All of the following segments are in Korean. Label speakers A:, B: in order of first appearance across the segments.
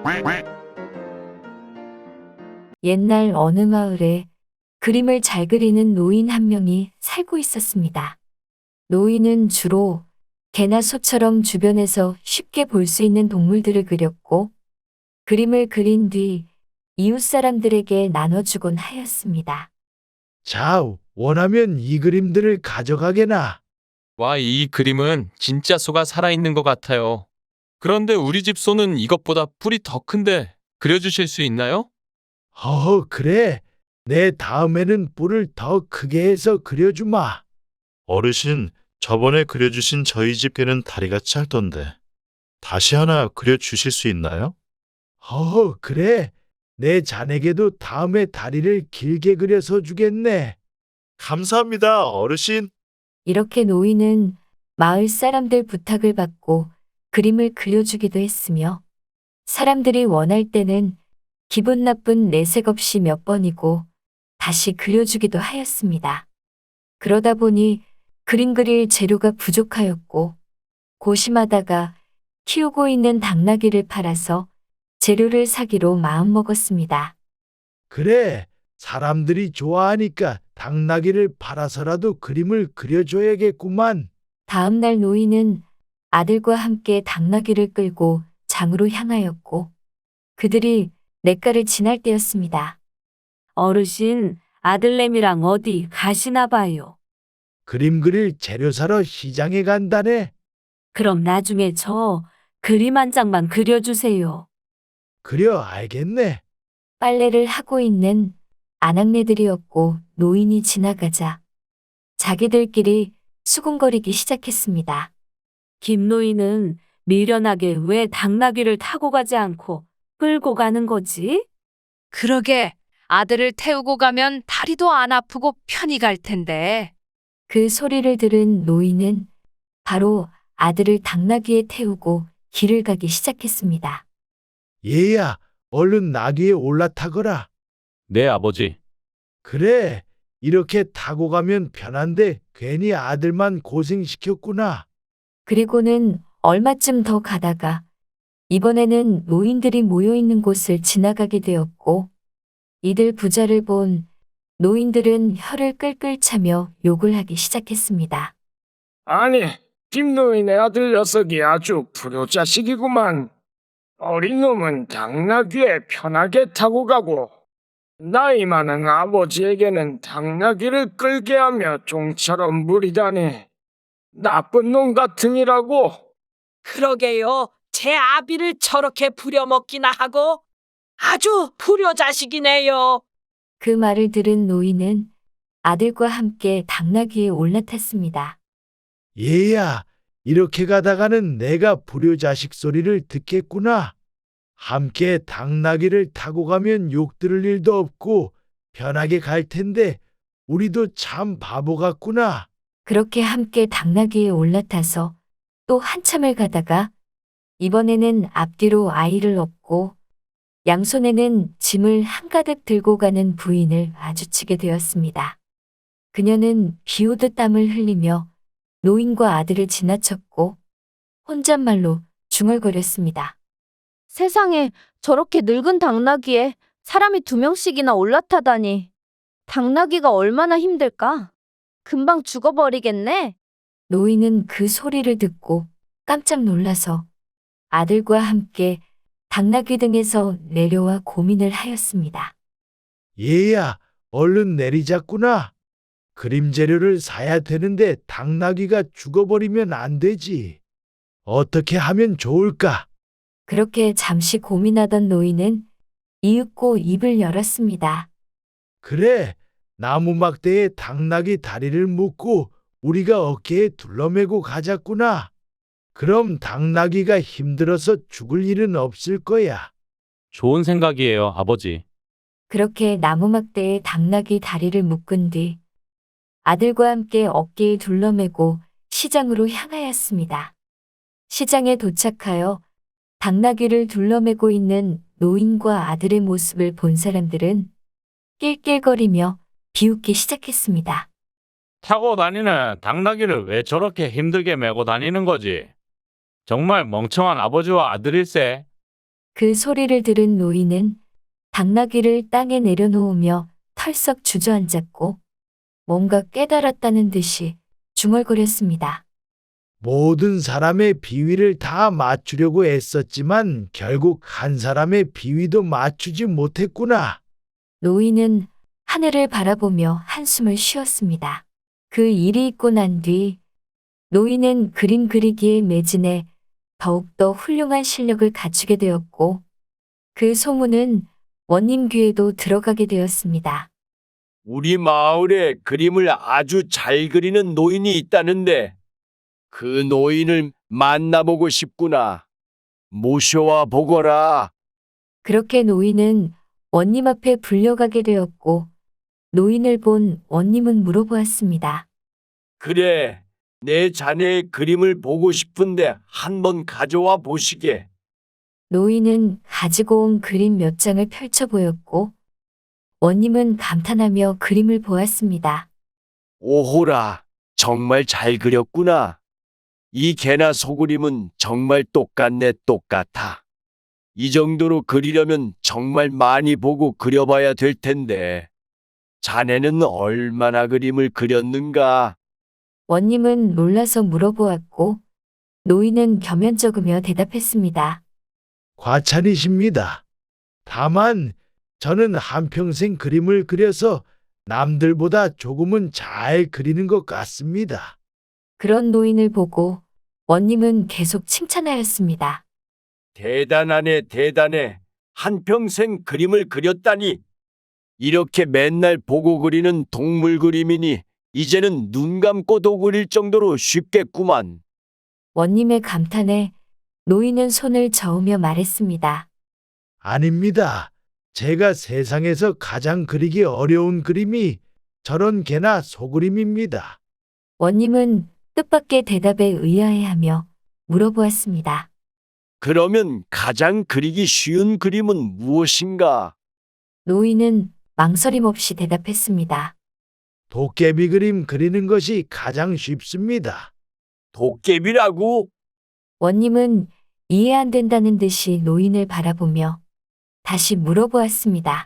A: 옛날 어느 마을에 그림을 잘 그리는 노인 한 명이 살고 있었습니다. 노인은 주로 개나 소처럼 주변에서 쉽게 볼 수 있는 동물들을 그렸고 그림을 그린 뒤 이웃 사람들에게 나눠주곤 하였습니다.
B: 자, 원하면 이 그림들을 가져가게나.
C: 와, 이 그림은 진짜 소가 살아있는 것 같아요. 그런데 우리 집 소는 이것보다 뿔이 더 큰데 그려주실 수 있나요?
B: 그래. 내 다음에는 뿔을 더 크게 해서 그려주마.
D: 어르신, 저번에 그려주신 저희 집 개는 다리가 짧던데. 다시 하나 그려주실 수 있나요?
B: 그래. 내 자네게도 다음에 다리를 길게 그려서 주겠네.
D: 감사합니다, 어르신.
A: 이렇게 노인은 마을 사람들 부탁을 받고 그림을 그려주기도 했으며 사람들이 원할 때는 기분 나쁜 내색 없이 몇 번이고 다시 그려주기도 하였습니다. 그러다 보니 그림 그릴 재료가 부족하였고 고심하다가 키우고 있는 당나귀를 팔아서 재료를 사기로 마음먹었습니다.
B: 그래. 사람들이 좋아하니까 당나귀를 팔아서라도 그림을 그려줘야겠구만.
A: 다음 날 노인은 아들과 함께 당나귀를 끌고 장으로 향하였고 그들이 냇가를 지날 때였습니다. 어르신, 아들내미랑 어디 가시나 봐요.
B: 그림 그릴 재료 사러 시장에 간다네.
A: 그럼 나중에 저 그림 한 장만 그려주세요.
B: 그려 알겠네.
A: 빨래를 하고 있는 아낙네들이었고 노인이 지나가자 자기들끼리 수군거리기 시작했습니다. 김노인은 미련하게 왜 당나귀를 타고 가지 않고 끌고 가는 거지?
E: 그러게 아들을 태우고 가면 다리도 안 아프고 편히 갈 텐데.
A: 그 소리를 들은 노인은 바로 아들을 당나귀에 태우고 길을 가기 시작했습니다.
B: 얘야, 얼른 나귀에 올라타거라.
C: 네, 아버지.
B: 그래, 이렇게 타고 가면 편한데 괜히 아들만 고생시켰구나.
A: 그리고는 얼마쯤 더 가다가 이번에는 노인들이 모여 있는 곳을 지나가게 되었고 이들 부자를 본 노인들은 혀를 끌끌 차며 욕을 하기 시작했습니다.
F: 아니, 김노인의 아들 녀석이 아주 불효자식이구만. 어린 놈은 당나귀에 편하게 타고 가고 나이 많은 아버지에게는 당나귀를 끌게 하며 종처럼 무리다니. 나쁜 놈 같으니라고.
G: 그러게요. 제 아비를 저렇게 부려먹기나 하고 아주 불효자식이네요.
A: 그 말을 들은 노인은 아들과 함께 당나귀에 올라탔습니다.
B: 얘야, 이렇게 가다가는 내가 불효자식 소리를 듣겠구나. 함께 당나귀를 타고 가면 욕 들을 일도 없고 편하게 갈 텐데 우리도 참 바보 같구나.
A: 그렇게 함께 당나귀에 올라타서 또 한참을 가다가 이번에는 앞뒤로 아이를 업고 양손에는 짐을 한가득 들고 가는 부인을 마주치게 되었습니다. 그녀는 비 오듯 땀을 흘리며 노인과 아들을 지나쳤고 혼잣말로 중얼거렸습니다.
H: 세상에 저렇게 늙은 당나귀에 사람이 2명씩이나 올라타다니. 당나귀가 얼마나 힘들까? 금방 죽어버리겠네.
A: 노인은 그 소리를 듣고 깜짝 놀라서 아들과 함께 당나귀 등에서 내려와 고민을 하였습니다.
B: 얘야, 얼른 내리자꾸나. 그림 재료를 사야 되는데 당나귀가 죽어버리면 안 되지. 어떻게 하면 좋을까?
A: 그렇게 잠시 고민하던 노인은 이윽고 입을 열었습니다.
B: 그래, 나무 막대에 당나귀 다리를 묶고 우리가 어깨에 둘러매고 가자꾸나. 그럼 당나귀가 힘들어서 죽을 일은 없을 거야.
C: 좋은 생각이에요, 아버지.
A: 그렇게 나무막대에 당나귀 다리를 묶은 뒤 아들과 함께 어깨에 둘러매고 시장으로 향하였습니다. 시장에 도착하여 당나귀를 둘러매고 있는 노인과 아들의 모습을 본 사람들은 낄낄거리며 비웃기 시작했습니다.
I: 타고 다니는 당나귀를 왜 저렇게 힘들게 메고 다니는 거지? 정말 멍청한 아버지와 아들일세.
A: 그 소리를 들은 노인은 당나귀를 땅에 내려놓으며 털썩 주저앉았고 뭔가 깨달았다는 듯이 중얼거렸습니다.
B: 모든 사람의 비위를 다 맞추려고 애썼지만 결국 한 사람의 비위도 맞추지 못했구나.
A: 노인은 하늘을 바라보며 한숨을 쉬었습니다. 그 일이 있고 난 뒤 노인은 그림 그리기에 매진해 더욱더 훌륭한 실력을 갖추게 되었고 그 소문은 원님 귀에도 들어가게 되었습니다.
J: 우리 마을에 그림을 아주 잘 그리는 노인이 있다는데 그 노인을 만나보고 싶구나. 모셔와 보거라.
A: 그렇게 노인은 원님 앞에 불려가게 되었고 노인을 본 원님은 물어보았습니다.
J: 그래, 내 자네의 그림을 보고 싶은데 한번 가져와 보시게.
A: 노인은 가지고 온 그림 몇 장을 펼쳐 보였고 원님은 감탄하며 그림을 보았습니다.
J: 오호라, 정말 잘 그렸구나. 이 개나 소그림은 정말 똑같네, 똑같아. 이 정도로 그리려면 정말 많이 보고 그려봐야 될 텐데. 자네는 얼마나 그림을 그렸는가?
A: 원님은 놀라서 물어보았고 노인은 겸연쩍으며 대답했습니다.
B: 과찬이십니다. 다만 저는 한평생 그림을 그려서 남들보다 조금은 잘 그리는 것 같습니다.
A: 그런 노인을 보고 원님은 계속 칭찬하였습니다.
J: 대단하네, 대단해. 한평생 그림을 그렸다니. 이렇게 맨날 보고 그리는 동물 그림이니 이제는 눈 감고도 그릴 정도로 쉽겠구만.
A: 원님의 감탄에 노인은 손을 저으며 말했습니다.
B: 아닙니다. 제가 세상에서 가장 그리기 어려운 그림이 저런 개나 소그림입니다.
A: 원님은 뜻밖의 대답에 의아해하며 물어보았습니다.
J: 그러면 가장 그리기 쉬운 그림은 무엇인가?
A: 노인은 망설임 없이 대답했습니다.
B: 도깨비 그림 그리는 것이 가장 쉽습니다.
J: 도깨비라고?
A: 원님은 이해 안 된다는 듯이 노인을 바라보며 다시 물어보았습니다.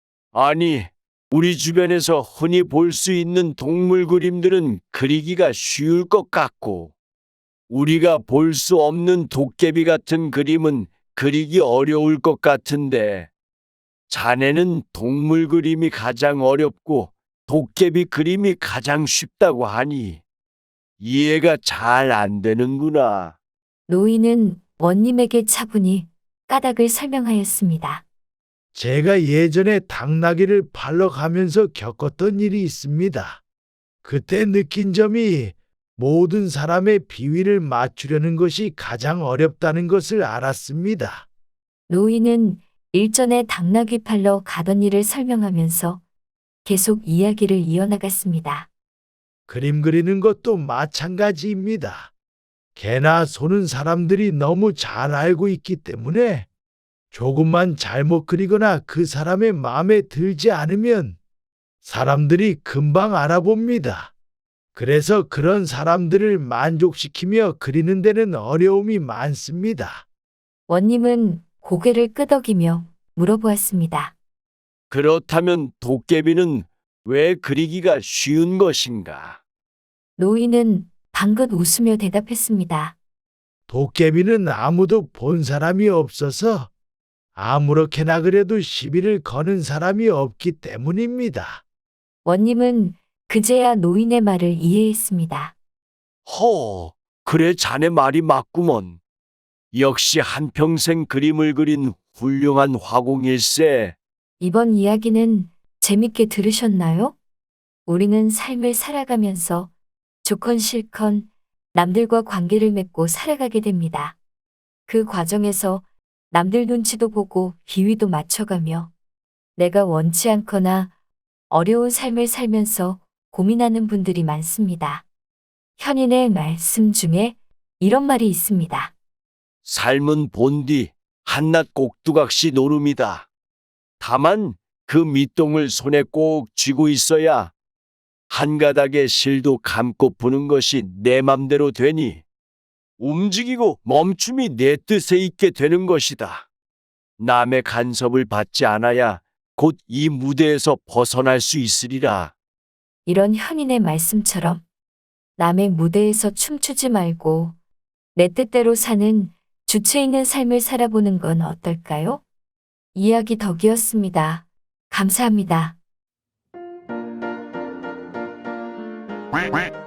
J: 아니, 우리 주변에서 흔히 볼 수 있는 동물 그림들은 그리기가 쉬울 것 같고, 우리가 볼 수 없는 도깨비 같은 그림은 그리기 어려울 것 같은데, 자네는 동물 그림이 가장 어렵고 도깨비 그림이 가장 쉽다고 하니 이해가 잘 안 되는구나.
A: 노인은 원님에게 차분히 까닭을 설명하였습니다.
B: 제가 예전에 당나귀를 팔러 가면서 겪었던 일이 있습니다. 그때 느낀 점이 모든 사람의 비위를 맞추려는 것이 가장 어렵다는 것을 알았습니다.
A: 노인은 일전에 당나귀 팔러 가던 일을 설명하면서 계속 이야기를 이어나갔습니다.
B: 그림 그리는 것도 마찬가지입니다. 개나 소는 사람들이 너무 잘 알고 있기 때문에 조금만 잘못 그리거나 그 사람의 마음에 들지 않으면 사람들이 금방 알아봅니다. 그래서 그런 사람들을 만족시키며 그리는 데는 어려움이 많습니다.
A: 원님은 고개를 끄덕이며 물어보았습니다.
J: 그렇다면 도깨비는 왜 그리기가 쉬운 것인가?
A: 노인은 방긋 웃으며 대답했습니다.
B: 도깨비는 아무도 본 사람이 없어서 아무렇게나 그래도 시비를 거는 사람이 없기 때문입니다.
A: 원님은 그제야 노인의 말을 이해했습니다.
J: 그래 자네 말이 맞구먼. 역시 한평생 그림을 그린 훌륭한 화공일세.
A: 이번 이야기는 재밌게 들으셨나요? 우리는 삶을 살아가면서 좋건 싫건 남들과 관계를 맺고 살아가게 됩니다. 그 과정에서 남들 눈치도 보고 비위도 맞춰가며 내가 원치 않거나 어려운 삶을 살면서 고민하는 분들이 많습니다. 현인의 말씀 중에 이런 말이 있습니다.
J: 삶은 본디 한낱 꼭두각시 노름이다. 다만 그 밑동을 손에 꼭 쥐고 있어야 한 가닥의 실도 감고 부는 것이 내 맘대로 되니 움직이고 멈춤이 내 뜻에 있게 되는 것이다. 남의 간섭을 받지 않아야 곧 이 무대에서 벗어날 수 있으리라.
A: 이런 현인의 말씀처럼 남의 무대에서 춤추지 말고 내 뜻대로 사는 주체 있는 삶을 살아보는 건 어떨까요? 이야기 덕이었습니다. 감사합니다.